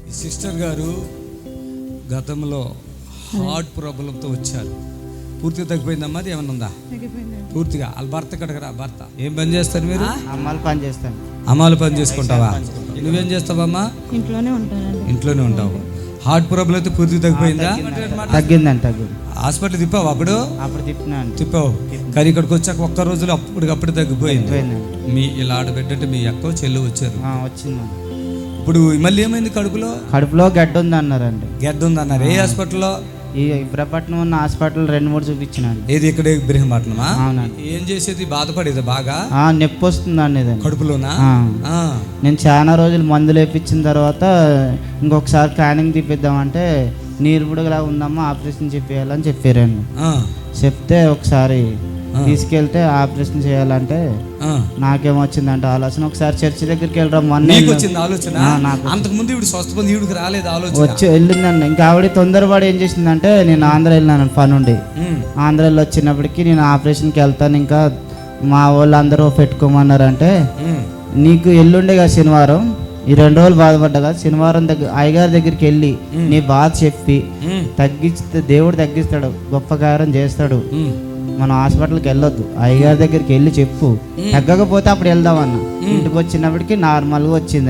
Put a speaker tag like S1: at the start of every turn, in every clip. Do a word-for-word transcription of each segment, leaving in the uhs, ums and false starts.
S1: ఈ సిస్టర్ గారు గతంలో హార్ట్ ప్రాబ్లంతో వచ్చారు. పూర్తిగా తగ్గిపోయిందమ్మా? అది ఏమన్నా ఉందా? పూర్తిగా. వాళ్ళ భర్త కడగరా? భర్త ఏం పని చేస్తారు మీరు?
S2: అమ్మాలు పని చేస్తాను.
S1: అమ్మాలు పని చేసుకుంటావా? నువ్వేం చేస్తావమ్మా?
S3: ఇంట్లోనే ఉంటాను.
S1: ఇంట్లోనే ఉంటావు. హార్ట్ ప్రాబ్లం అయితే పూర్తిగా తగ్గిపోయిందా?
S2: తగ్గిందండి. తగ్గింది.
S1: హాస్పిటల్ తిప్పావు? అప్పుడు
S2: అప్పుడు తిప్పినాను.
S1: తిప్పావు. కానీ ఇక్కడికి వచ్చాక ఒక్క రోజులో అప్పటికప్పుడు తగ్గిపోయింది. మీ ఇలా ఆడబెట్టంటే మీ అక్క చెల్లు వచ్చారు.
S2: వచ్చింది.
S1: ఇప్పుడు మళ్ళీ ఏమైంది? కడుపులో
S2: కడుపులో గడ్డ ఉంది అన్నారండి.
S1: గడ్డ ఉంది అన్నారు. ఏ హాస్పిటల్లో?
S2: ఈ ఇబ్రహపట్నం ఉన్న హాస్పిటల్ రెండు మూడు చూపించినాను.
S1: ఏది? ఇక్కడ ఇబ్రహీంపట్నమా?
S2: అవునండి.
S1: ఏం చేసేది? బాధపడేది బాగా?
S2: నొప్పి వస్తుందండి ఇది
S1: కడుపులోనా?
S2: నేను చాలా రోజులు మందులు వేయించిన తర్వాత ఇంకొకసారి స్కానింగ్ తీపిద్దామంటే నీరు బుడగలా ఉందమ్మా, ఆపరేషన్ చెప్పేయాలని చెప్పారండి. చెప్తే ఒకసారి తీసుకెళ్తే ఆపరేషన్ చేయాలంటే నాకేమొచ్చిందంటే ఆలోచన, ఒకసారి చర్చి దగ్గరికి వెళ్ళడం
S1: అంతకు ముందు ఇప్పుడు స్వస్థపంది ఈవిడికి రాలేదు ఆలోచన.
S2: వచ్చి వెళ్ళిందండి. ఇంకా ఆవిడ తొందరపడి ఏం చేసిందంటే, నేను ఆంధ్ర వెళ్ళినాను పని ఉండి. ఆంధ్రాలో వచ్చినప్పటికీ నేను ఆపరేషన్కి వెళ్తాను, ఇంకా మా వాళ్ళు అందరూ పెట్టుకోమన్నారంటే, నీకు ఎల్లుండే కదా శనివారం, ఈ రెండు రోజులు బాధపడ్డా, శనివారం దగ్గర అయ్యగారి దగ్గరికి వెళ్ళి నీ బాధ చెప్పి తగ్గిస్తే దేవుడు తగ్గిస్తాడు, గొప్ప కార్యం చేస్తాడు. మనం హాస్పిటల్కి వెళ్ళొద్దు, అయ్యగారి దగ్గరికి వెళ్ళి చెప్పు, తగ్గకపోతే అప్పుడు వెళ్దామన్న. ఇంటికి వచ్చినప్పటికీ నార్మల్గా వచ్చింది.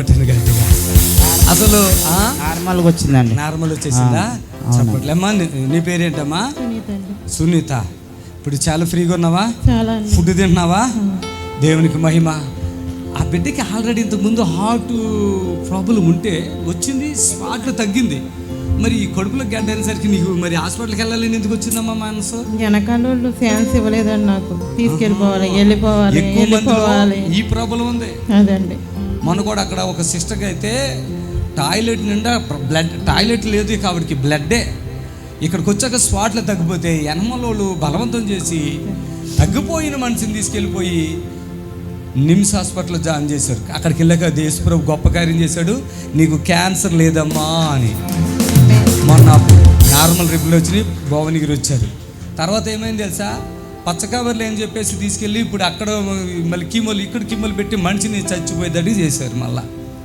S1: అసలు
S2: నార్మల్గా వచ్చిందండి.
S1: నార్మల్ వచ్చేసిందా? చెప్పట్లేమ్మా. నీ పేరేంటమ్మా? సునీత. ఇప్పుడు చాలా ఫ్రీగా ఉన్నావా? ఫుడ్ తింటున్నావా? దేవునికి మహిమ. ఆ బిడ్డకి ఆల్రెడీ ఇంతకు ముందు హార్ట్ ప్రాబ్లం ఉంటే వచ్చింది, స్పాట్లో తగ్గింది. మరి ఈ కడుపులో గడ్డ అనేసరికి నీకు మరి హాస్పిటల్కి వెళ్ళాలని ఎందుకు వచ్చిందమ్మా మనసు?
S3: వెనకాల ఛాన్స్ ఇవ్వలేదండి నాకు. తీసుకెళ్ళిపోవాలి, వెళ్ళిపోవాలి, వెళ్ళిపోవాలి.
S1: ఈ ప్రాబ్లం ఉంది.
S3: అదండి.
S1: మన కూడా అక్కడ ఒక సిస్టర్కి అయితే టాయిలెట్ నిండా బ్లడ్, టాయిలెట్ లేదు కాబట్టి బ్లడ్డే. ఇక్కడికి వచ్చాక స్పాట్లో తగ్గిపోతే ఎనమలోళ్ళు బలవంతం చేసి తగ్గిపోయిన మనిషిని తీసుకెళ్ళిపోయి నిమ్స్ హాస్పిటల్లో జాయిన్ చేశారు. అక్కడికి వెళ్ళాక దేశప్రభు గొప్ప కార్యం చేశాడు, నీకు క్యాన్సర్ లేదమ్మా అని. మొన్న నార్మల్ రిపోర్ట్లు వచ్చినాయి, భువనగిరి వచ్చారు. తర్వాత ఏమైంది తెలుసా? పచ్చ కవర్లు ఏం చెప్పేసి తీసుకెళ్ళి ఇప్పుడు అక్కడ మళ్ళీ కీమోలు, ఇక్కడ కీమోలు పెట్టి మనిషిని చచ్చిపోయేదడి చేశారు. మళ్ళా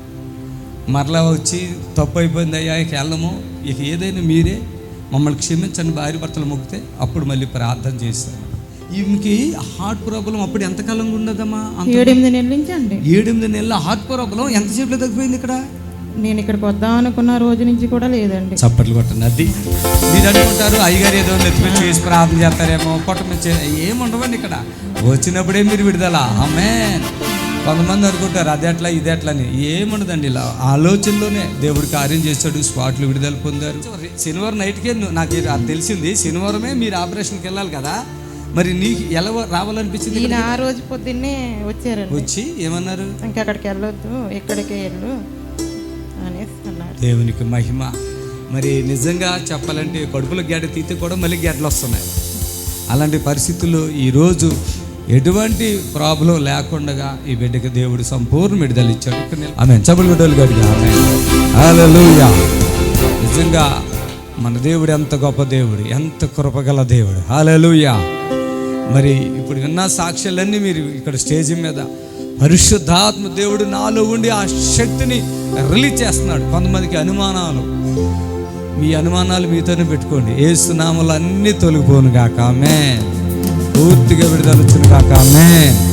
S1: మరలా వచ్చి తప్పు అయిపోయింది అయ్యా, ఇక వెళ్ళము, ఇక ఏదైనా మీరే మమ్మల్ని క్షమించండి భార్య భర్తలు మొక్కితే అప్పుడు మళ్ళీ ప్రార్థన చేశారు. ఈమెకి హార్ట్ ప్రాబ్లం అప్పుడు ఎంతకాలంగా ఉండదమ్మా?
S3: ఏడెనిమిది నెలల నుంచి అండి.
S1: ఏడెనిమిది నెలల హార్ట్ ప్రాబ్లం ఎంతసేపులో తగ్గిపోయింది? ఇక్కడ
S3: నేను ఇక్కడికి వద్దాం అనుకున్న రోజు నుంచి కూడా లేదండి.
S1: చప్పట్లు కొట్టండి. అది మీరు అనుకుంటారు అయ్యగారు ఏదో నెత్తిమీద చేసి ప్రార్థన చేస్తారేమో, కొట్టమిచ్చే ఏముండవండి. ఇక్కడ వచ్చినప్పుడే మీరు విడుదల. ఆమేన్. కొంతమంది అనుకుంటారు అది ఎట్లా ఇది ఎట్లా అని. ఏముండదండి, ఇలా ఆలోచనలోనే దేవుడు కార్యం చేశాడు, స్పాట్లు విడుదల పొందారు. శనివారం నైట్కే నాకు అది తెలిసింది. శనివారమే మీరు ఆపరేషన్కి వెళ్ళాలి కదా, మరి నీకు ఎలా రావాలనిపించింది?
S3: ఆ రోజు పొద్దున్నే వచ్చారండి.
S1: వచ్చి ఏమన్నారు?
S3: ఇంకా అక్కడికి వెళ్ళొద్దు, ఇక్కడికే వెళ్ళు అనేసి అన్నారు.
S1: దేవునికి మహిమ. మరి నిజంగా చెప్పాలంటే కడుపులో గడ్డ తీస్తే కూడా మళ్ళీ గడ్డలు వస్తున్నాయి. అలాంటి పరిస్థితుల్లో ఈరోజు ఎటువంటి ప్రాబ్లం లేకుండా ఈ బిడ్డకి దేవుడు సంపూర్ణ విడుదల ఇచ్చాడు. ఆమేన్. చప్పట్లు కొట్టాలి గట్టిగా. ఆమేన్. హల్లెలూయా. నిజంగా మన దేవుడు ఎంత గొప్ప దేవుడు, ఎంత కృపగల దేవుడు. హల్లెలూయా. మరి ఇప్పుడు విన్న సాక్ష్యాలన్నీ మీరు ఇక్కడ స్టేజ్ మీద పరిశుద్ధాత్మ దేవుడు నాలో ఉండి ఆ శక్తిని రిలీజ్ చేస్తున్నాడు. కొంతమందికి అనుమానాలు, మీ అనుమానాలు మీతోనే పెట్టుకోండి. యేసు నామములో అన్నీ తొలగిపోను గాక. ఆమేన్. పూర్తిగా విడుదల వచ్చును గాక. ఆమేన్.